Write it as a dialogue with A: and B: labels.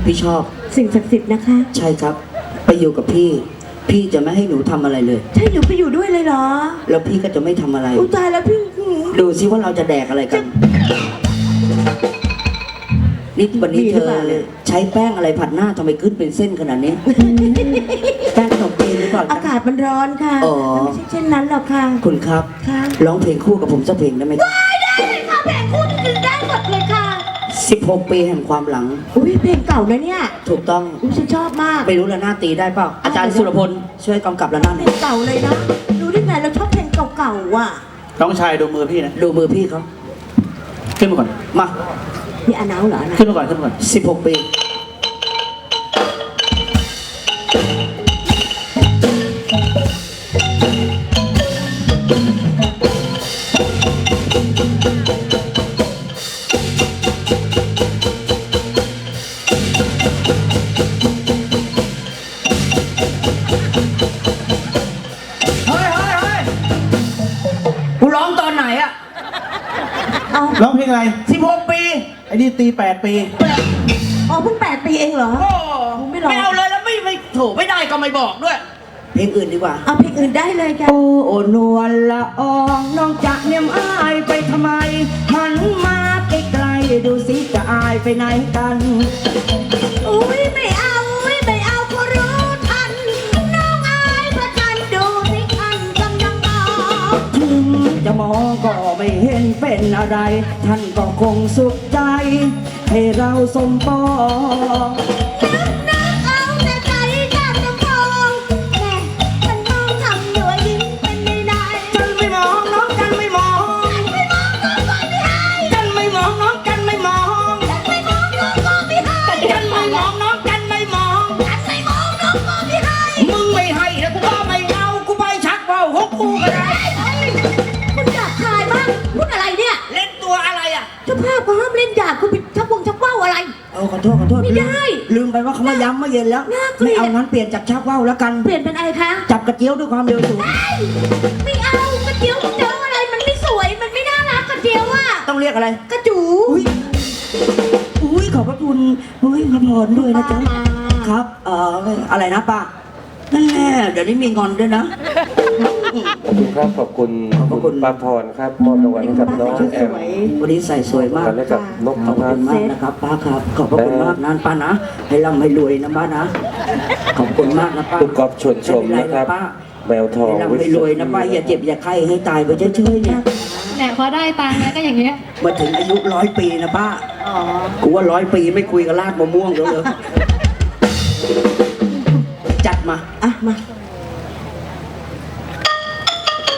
A: พี่ชอบ
B: สิ่งศักดิ์สิทธิ์นะคะ
A: ใช่ครับไปอยู่กับพี่พี่จะไม่ให้หนูทำอะไรเลย
B: ใช่หนูไปอยู่ด้วยเลยเหรอ
A: แล้วพี่ก็จะไม่ทำอะไร
B: อุยตายแล้วพี่
A: ดูซิว่าเราจะแดกอะไรกันนี่วันนี้เธอใช้แป้งอะไรผัดหน้าทำไมขึ้นเป็นเส้นขนาดนี้แป้งขนมจีนหรือเปล่า
B: อากาศมันร้อนค่ะไม่ใช่เช่นนั้นหรอกค่ะ
A: คุณครับร้องเพลงคู่กับผมสักเพลงได้ไหม
B: ได้เลยค่ะเพลงคู่จะได้หมดเลยค่ะ
A: 16 ปีแห่งความหลัง
B: อุ้ยเพลงเก่านะเนี่ย
A: ถูกต้อง
B: ฉันชอบมาก
A: ไม่รู้ระนาดตีได้เปล่าอาจารย์สุรพลช่วยกำกับระนาด
B: เพลงเก่าเลยนะรู้ได้ไงเราชอบเพลงเก่าๆว่ะ
C: น้องชายดูมือพี่นะ
A: ดูมือพี่เขา
C: ขึ้นมาก่อน
A: มา
B: นี่อาหนาวเหรอนะ
C: ขึ้นมาก่อนขึ้นมาก่อน
A: 16 ปี
C: ร้องเพลงอะไร
A: 16 ปี
C: ไอ้นี่ตี8 ปี
B: อ๋อเพิ่ง8 ปีเองเหรอ
A: ไม่เอาเลยแล้วไม่โถไม่ได้ก็ไม่บอกด้วยเพลงอื่นดีกว่า
B: เอาเพลงอื่นได้เลยค่ะ
A: โอ้นวลละอองน้องจะเนียมอายไปทำไมหันมาใกล้ๆดูสิจะอายไปไหนกัน
B: อุ้ยไม่เอาไม่เอาก็รู้ทันน้องอายพระจันทร์ดูสิคันกำลังมอง
A: ถึงจะมองก็ไม่เห็นเป็นอะไรท่านก็คงสุขใจให้เราสมปอง
B: นึกเอาแต่ใจจะมองแม่ฉันมองทำด้วยยิ้มเป็นได้
A: จันไม่มองน้องจันไม่มอง
B: จันไม่มองน้องก็ไม่ให้
A: จันไม่มองน้องจันไม่มอง
B: จันไม่มองน้องก็ไม่ให้
A: จันไม่มองน้องจันไม่มอง
B: จันไม่มองน้องก็ไม่ให้
A: มึงไม่ให้แล้วกูก็ไม่เอากูไปชักว่าวของกูก็ได้
B: คุณอยากทายบ้างพูดอะไรเนี่ย
A: เล่นตัวอะไรอ่ะ
B: เจ้าภาพเขาห้ามเล่นหยาบคุณไปชักว่าวอะไร
A: ขอโทษ
B: ไม่ได้
A: ลืมไปว่าเขามาย้ำเมื่อเย็นแล้วไม่เอางั้นเปลี่ยนจากชักว่าวแล้วกัน
B: เปลี่ยนเป็นอะไรคะ
A: จับกระเจียวด้วยความเร็วสูง
B: ไม่เอากระเจียวเจออะไรมันไม่สวยมันไม่น่ารักกระเจียวอ่ะ
A: ต้องเรียกอะไร
B: กระจู
A: อุ้ยขอบพระคุณอุ้ยขอบพรด้วยนะจ๊ะครับอะไรนะป้านั่นแหละเดี๋ยวนี้มีงอนด้วยนะ
D: ขอบคุณครับขอบคุณป้าพรครับมอบรางวัลให้กับน้องแอม
A: วันนี้ใส่สวยมาก
D: ให้กับนก
A: ขอบคุณมากนะครับป้าครับขอบคุณมากนะป้านะให้ร่ำให้รวยนะป้านะขอบคุณมากนะป้า
D: คุณกอล์ฟชวนชมนะครับแมวทอง
A: ให้ร่ำให้รวยนะป้าอย่าเจ็บอย่าไข้ให้ตายไปเฉยๆเนี่ย
E: แต่พอได้ตังค์แล้วก็อย่างเงี้ย
A: มาถึงอายุ100 ปีนะป้ากูว่า100 ปีไม่คุยกับลาดมะม่วงแล้วเลยจัดมา
B: มา